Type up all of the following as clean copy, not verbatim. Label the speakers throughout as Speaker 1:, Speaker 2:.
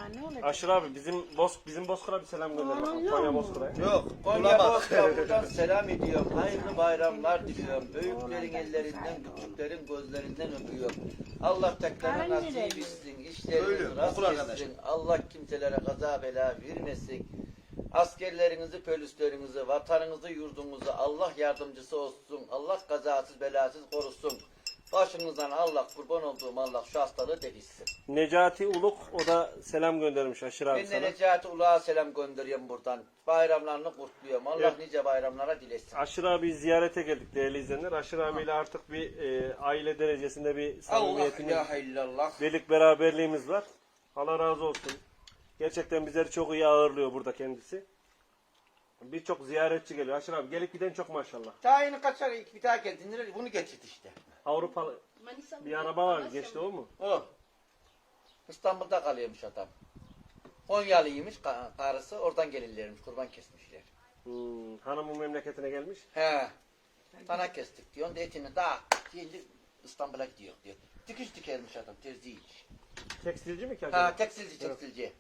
Speaker 1: ne olacak?
Speaker 2: Aşır abi bizim Bozkır'a bir selam gönderelim. Konya Bozkır'a.
Speaker 3: Yok, Konya Bozkır'a buradan selam ediyorum. Hayırlı bayramlar diliyorum. Büyüklerin ellerinden, küçüklerin gözlerinden öpüyorum. Allah tekrar nasip etsin, işlerinizi rast etsin. Allah kimselere kaza bela vermesin. Askerlerinizi, polislerinizi, vatanınızı, yurdunuzu Allah yardımcısı olsun. Allah kazasız belasız korusun. Başınızdan Allah, kurban olduğum Allah şu hastalığı defitsin.
Speaker 2: Necati Uluk o da selam göndermiş Aşır abi
Speaker 3: Ben de
Speaker 2: sana.
Speaker 3: Necati Uluk'a selam gönderiyorum buradan. Bayramlarını kutluyorum. Allah
Speaker 2: Evet.
Speaker 3: nice bayramlara dilesin.
Speaker 2: Aşır abi ziyarete geldik değerli izleyenler. Aşır abiyle artık bir aile derecesinde bir samimiyetimiz,
Speaker 3: Allah ilahe illallah.
Speaker 2: birlik beraberliğimiz var. Allah razı olsun. Gerçekten bizleri çok iyi ağırlıyor burada kendisi. Birçok ziyaretçi geliyor. Aşır abi gelip giden çok maşallah.
Speaker 3: Tayini kaçar bir daha geldiğinde bunu getirdi işte.
Speaker 2: Avrupalı bir araba var geçti o mu?
Speaker 3: O. İstanbul'da kalıyormuş adam. Konyalıymış karısı. Oradan gelirlermiş. Kurban kesmişler.
Speaker 2: Hanımın memleketine gelmiş.
Speaker 3: He. Tana kestik diyor. Onda etini dağıttık. Şimdi İstanbul'a gidiyor diyor. Dikiş dikermiş adam. Terziymiş.
Speaker 2: Tekstilci mi ki acaba?
Speaker 3: Ha tekstilci.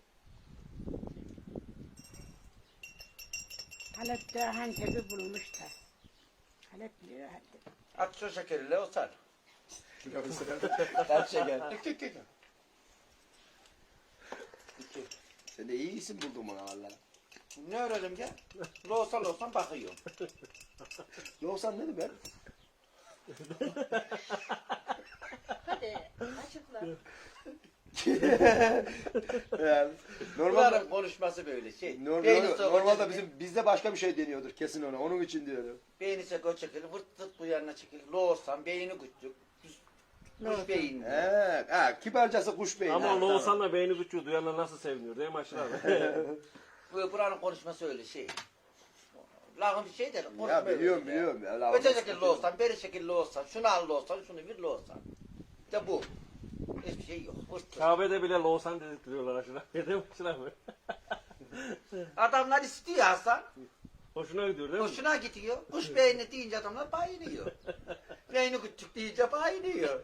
Speaker 1: Halep'te Hantep'i bulmuş da. Halep biliyor Hantep.
Speaker 3: At şu şekeriyle osar. Kaç şeker. Dik.
Speaker 4: Sen de iyi isim buldun bana valla.
Speaker 3: Ne öğrenelim ya? Loğusan bakıyorum.
Speaker 4: Yoksa ne demek?
Speaker 1: Hadi açıkla.
Speaker 4: Yani,
Speaker 3: Bunların konuşması böyle şey.
Speaker 4: normalde bizde başka bir şey deniyordur kesin ona. Onun için diyorum.
Speaker 3: Beyni seko çekilir, vırt bu yanına çekilir. Loğusan, beyni küçük. Kuş beyinli.
Speaker 4: Kibarcası kuş beyni.
Speaker 2: Ama Loğusan'la beyni küçüğü duyanlar nasıl seviniyor değil mi Aşır abi?
Speaker 3: Buranın konuşması öyle şey. Lağım bir şey der.
Speaker 4: Ya biliyorum. Ya,
Speaker 3: Öte şekilde olsan, beri şekilde olsan, şunu al olsan, şunu bir olsan. İşte bu. Hiçbir şey yok.
Speaker 2: Kabe'de bile Loğusan dedirtiyorlar Aşır abi. Değil mi Aşır abi?
Speaker 3: Adamlar istiyor Hasan.
Speaker 2: Hoşuna gidiyor değil mi?
Speaker 3: Hoşuna gidiyor. Kuş beyni deyince adamlar bayılıyor. Beyni küçük deyince bayılıyor.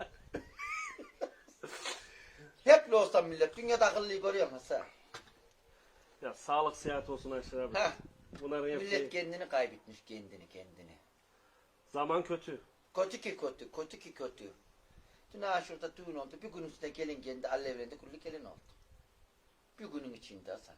Speaker 3: Hep olsan millet. Dünyada akıllıyı görüyor musun sen?
Speaker 2: Ya sağlık sıhhat olsun Aşır abi.
Speaker 3: Heh.
Speaker 2: Bunların
Speaker 3: Millet
Speaker 2: hepsi
Speaker 3: kendini kaybetmiş kendini.
Speaker 2: zaman kötü.
Speaker 3: Kötü ki kötü. Dün şurada düğün oldu. Bir gün üstüne gelin kendi alevlendi. Kullu gelin oldu. Bir günün içinde Hasan.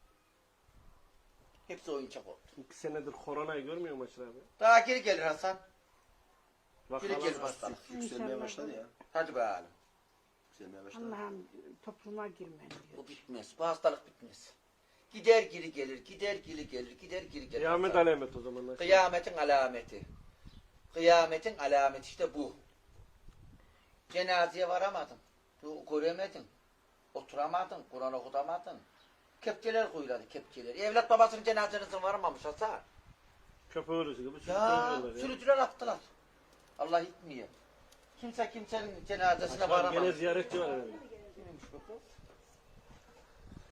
Speaker 3: Hepsi oyuncak oldu.
Speaker 2: 2 senedir koronayı görmüyor mu Aşır abi?
Speaker 3: Daha geri gelir Hasan. Geri
Speaker 2: Vakalar
Speaker 3: gelir hastalık.
Speaker 4: Yükselmeye başladı ya.
Speaker 3: Hadi bakalım.
Speaker 4: Yükselmeye başladı.
Speaker 1: Allah'ım topluma girmen diyor.
Speaker 3: Bu bitmez. Bu hastalık bitmez. Gider geri gelir. Gider geri gelir.
Speaker 2: Kıyamet alamet o zaman Aşır abi.
Speaker 3: Kıyametin alameti. Kıyametin alameti işte bu. Cenazeye varamadın. Göremedin. Oturamadın. Kur'an okutamadın. Kepçeler koyuladı kepçeler. Evlat babasının cenazesine varmamış Hasan.
Speaker 2: Köpeği örüsü gibi
Speaker 3: Ya
Speaker 2: sürüklüyorlar ya.
Speaker 3: sürücüler attılar. Allah gitmiyor. Kimse kimsenin cenazesine
Speaker 2: Aşır abi
Speaker 3: varamamış.
Speaker 2: gene ziyaretçi var herhalde.
Speaker 3: Kimmiş bu kız?